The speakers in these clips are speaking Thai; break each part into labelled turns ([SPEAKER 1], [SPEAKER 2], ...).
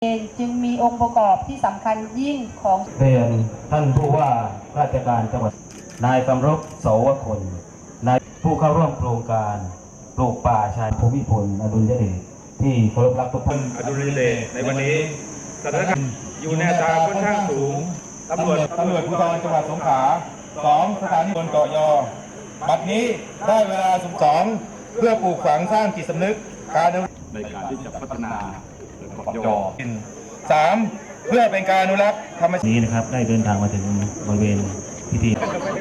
[SPEAKER 1] จึงมีองค์ประกอบที่สำคัญยิ่งของ
[SPEAKER 2] เรียนท่านผู้ว่าราชการจังหวัดนายกำรบโสวคนนายผู้เข้าร่วมโครงการปลูกป่าชายภูมิพลอดุลยเดชที่เคารพรักทุกท่าน
[SPEAKER 3] อดุลยเดชในวันนี้สถานการณ์อยู่ในอัตราค่อนข้างสูงตำรวจภูธรจังหวัดสงขลา2 สถานีบนเกาะยอบัดนี้ได้เวลา12เพื่อปลูกฝังสร้างจิตสำนึกการในการที่จะพัฒนาเกาะยอ3เพื่อเป็นการอนุรักษ์ธรรมชาติ
[SPEAKER 2] นี้นะครับได้เดินทางมาถึงบริเวณพิธี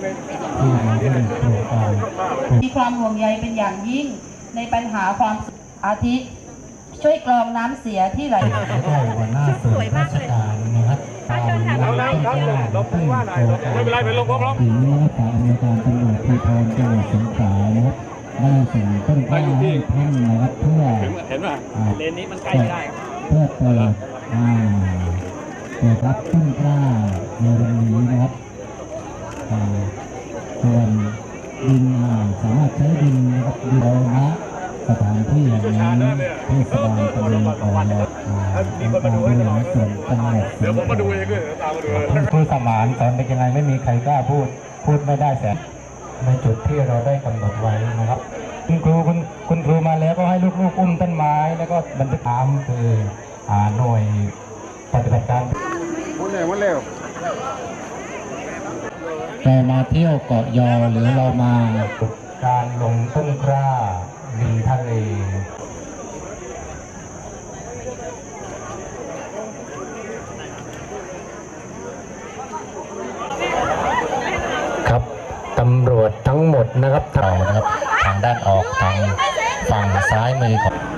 [SPEAKER 1] มีความห่วงใยเป็นอย่างยิ่งในปัญหาความอาทิช่วยกรองน้ำเสียที่ไหล
[SPEAKER 4] ได้หัวหน้าส่วนราชการนะครับตามไม่เป็นไรเป็นลมพร้อมถึงฝ่ายอำนวยการตำรวจภูธรจังหวัดสงขลานะครับได้ส่งต้นกล้าให้ท่านนะครับเพื่อเห็นไหมเลนนี้มันใกล้ไม่ได้เพื่อเปิดรับต้นกล้าในวันนี้นะครับส่วนดินสามารถใช้ดินนะครับดินนะสถานที่แห่งนี้เทศบาลตำบลเกาะยอองค์การบริหารส่วนจังหวัดเดี๋ยวผมมาดูเองด้วยตามมาดูครูสมานสอนเป็นยังไงไม่มีใครกล้าพูดไม่ได้แต่ในจุดที่เราได้กำหนดไว้นะครับคุณครูมาแล้วก็ให้ลูกๆอุ้มต้นไม้แล้วก็บันทึกตามคือหน่วยปฏิบัติการวันเร็วเรามาเที่ยวเกาะยอหรือเรามาการลงต้นกล้าริมทะเลครับตำรวจทั้งหมดนะครับทางด้านออกทางฝั่งซ้ายมือของ